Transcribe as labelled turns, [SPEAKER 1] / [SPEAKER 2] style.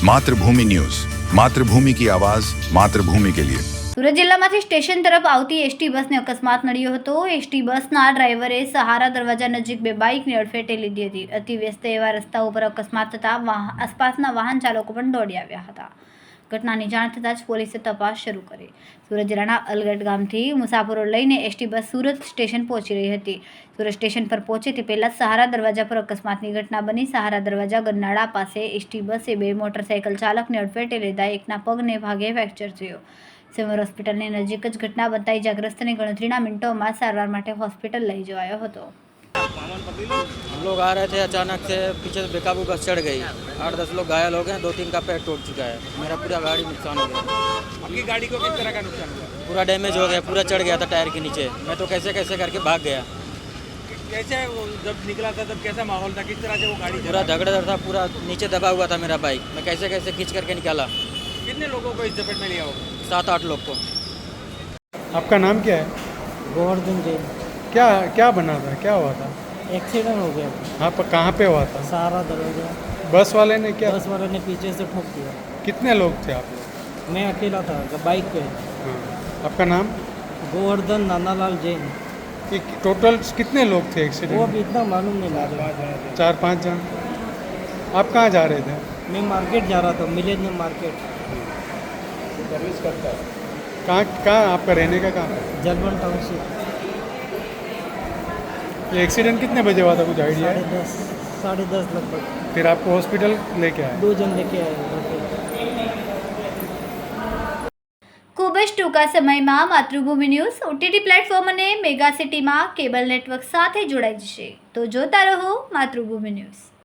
[SPEAKER 1] मातृभूमि न्यूज, मातृभूमि की आवाज, मातृभूमि के लिए।
[SPEAKER 2] સુરત જિલ્લામાંથી સ્ટેશન તરફ આવતી એસટી બસને અકસ્માત નડ્યો હતો। એસટી બસના ડ્રાઈવરે સહારા દરવાજા નજીક બે બાઇકની અડફેટે લીધી હતી। અતિ વ્યસ્ત એવા રસ્તા ઉપર અકસ્માત થતાં આસપાસના વાહન ચાલકો પણ દોડી આવ્યા હતા। ઘટનાની જાણ થતાં જ પોલીસે તપાસ શરૂ કરી। સુરત જિલ્લાના અલગટ ગામથી મુસાફરો લઈને એસટી બસ સુરત સ્ટેશન પહોંચી રહી હતી। સુરત સ્ટેશન પર પહોંચે તે પહેલાં સહારા દરવાજા પર અકસ્માતની ઘટના બની। સહારા દરવાજા ગરનાળા પાસે એસટી બસે બે મોટરસાઇકલ ચાલકને અડફેટે લીધા। એકના પગને ભાગે ફ્રેક્ચર થયો। સિમર હોસ્પિટલની નજીક જ ઘટના બનતા ઇજાગ્રસ્તને ગણતરીના મિનિટોમાં સારવાર માટે હોસ્પિટલ લઈ જવાયો હતો।
[SPEAKER 3] हम लोग आ रहे थे, अचानक से पीछे से बेकाबू बस चढ़ गई। 8-10 लोग घायल हो गए, 2-3 का पैर टूट चुका है। मेरा पूरा गाड़ी नुकसान हो गया।
[SPEAKER 4] आपकी गाड़ी को किस तरह का नुकसान हुआ?
[SPEAKER 3] पूरा डैमेज हो गया, पूरा चढ़ गया था टायर के नीचे। मैं तो कैसे कैसे करके भाग गया।
[SPEAKER 4] कैसे वो जब निकला था तब कैसा माहौल था, किस तरह से वो गाड़ी
[SPEAKER 3] पूरा
[SPEAKER 4] चला?
[SPEAKER 3] धगड़धड़ था, पूरा नीचे दबा हुआ था मेरा बाइक। मैं कैसे कैसे खींच करके निकाला।
[SPEAKER 4] कितने लोगों को इस चपेट में लिया होगा?
[SPEAKER 3] 7-8 लोग को।
[SPEAKER 5] आपका नाम क्या है?
[SPEAKER 6] गोवर्धन जैन।
[SPEAKER 5] क्या क्या बना था, क्या हुआ था?
[SPEAKER 6] एक्सीडेंट हो गया।
[SPEAKER 5] हाँ, पर कहाँ पे हुआ था?
[SPEAKER 6] सहारा दरवाजा।
[SPEAKER 5] बस वाले ने क्या?
[SPEAKER 6] बस वाले ने पीछे से ठोक दिया।
[SPEAKER 5] कितने लोग थे आप लोग?
[SPEAKER 6] मैं अकेला था बाइक पे।
[SPEAKER 5] हाँ। आपका नाम?
[SPEAKER 6] गोवर्धन नानालाल जैन।
[SPEAKER 5] ये टोटल कितने लोग थे
[SPEAKER 6] वो
[SPEAKER 5] एक्सीडेंट?
[SPEAKER 6] अभी इतना मालूम नहीं मुझे।
[SPEAKER 5] 4-5 जन। आप कहाँ जा रहे थे?
[SPEAKER 6] मैं मार्केट जा रहा था, मिलेनियम मार्केट।
[SPEAKER 5] कहाँ कहाँ आपका रहने का कहाँ है?
[SPEAKER 6] जलवन टाउनशिप।
[SPEAKER 5] ये एक्सीडेंट कितने बजे हुआ था, कुछ आइडिया है?
[SPEAKER 6] 10:30 लगभग।
[SPEAKER 5] फिर आपको हॉस्पिटल लेके आए?
[SPEAKER 6] 2 जन लेके आए घर पे।
[SPEAKER 2] ખૂબ જ ટૂંકા સમયમાં માતૃભૂમિ ન્યૂઝ ઓટીટી પ્લેટફોર્મ અને મેગા સિટીમાં કેબલ નેટવર્ક સાથે જોડાઈ જશે। તો જોતા રહો માતૃભૂમિ ન્યૂઝ।